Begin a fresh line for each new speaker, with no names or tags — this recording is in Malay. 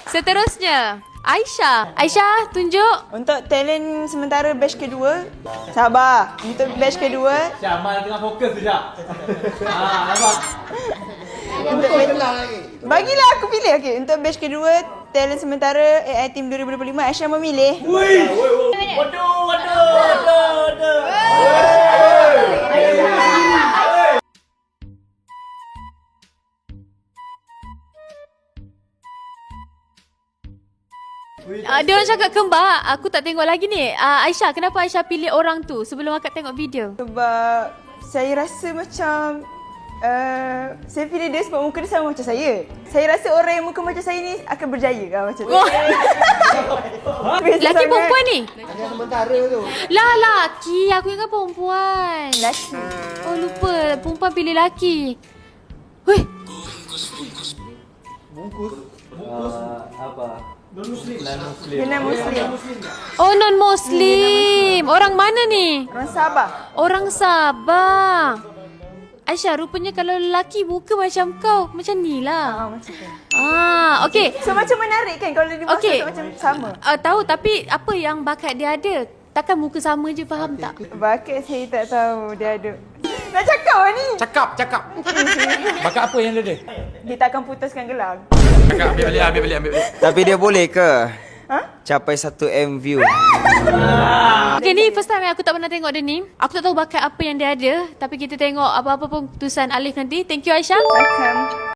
Seterusnya, Aisyah. Aisyah, tunjuk.
Untuk talent sementara batch kedua, sabar. Untuk batch kedua,
Syamal tengah fokus tu, Syak. Nampak?
untuk bagilah aku pilih. Okey, untuk batch kedua, talent sementara AI Team 2025, Aisyah memilih.
Waduh.
Dia orang cakap kembar. Aku tak tengok lagi ni. Aisyah, kenapa Aisyah pilih orang tu sebelum akak tengok video?
Sebab saya rasa macam saya pilih dia sebab muka dia sama macam saya. Saya rasa orang yang muka macam saya ni akan berjaya macam tu.
Laki perempuan ni?
Yang sementara tu.
Lah, laki. Aku ingat perempuan.
Lelaki.
Oh, lupa. Perempuan pilih laki. Weh,
Bungkus.
Apa? Non-Muslim.
Dia non-Muslim.
oh non-Muslim. Orang mana ni?
Orang Sabah.
Orang Sabah. Aisyah, rupanya kalau lelaki muka macam kau, macam ni lah.
Macam tu.
Okey.
So macam menarik kan kalau dia
Okey.
masuk macam sama.
Tahu, tapi apa yang bakat dia ada? Takkan muka sama je, faham tak?
Bakat saya tak tahu dia ada. Nak cakap lah ni.
Cakap. Bakat apa yang dia ada?
Dia takkan putuskan gelang.
Cakap, ambil balik.
Tapi dia boleh ke
Ha?
capai 1M view?
Okay, ni first time yang aku tak pernah tengok dia ni. Aku tak tahu bakat apa yang dia ada. Tapi kita tengok apa-apa pun keputusan Alif nanti. Thank you, Aisyah.
Welcome.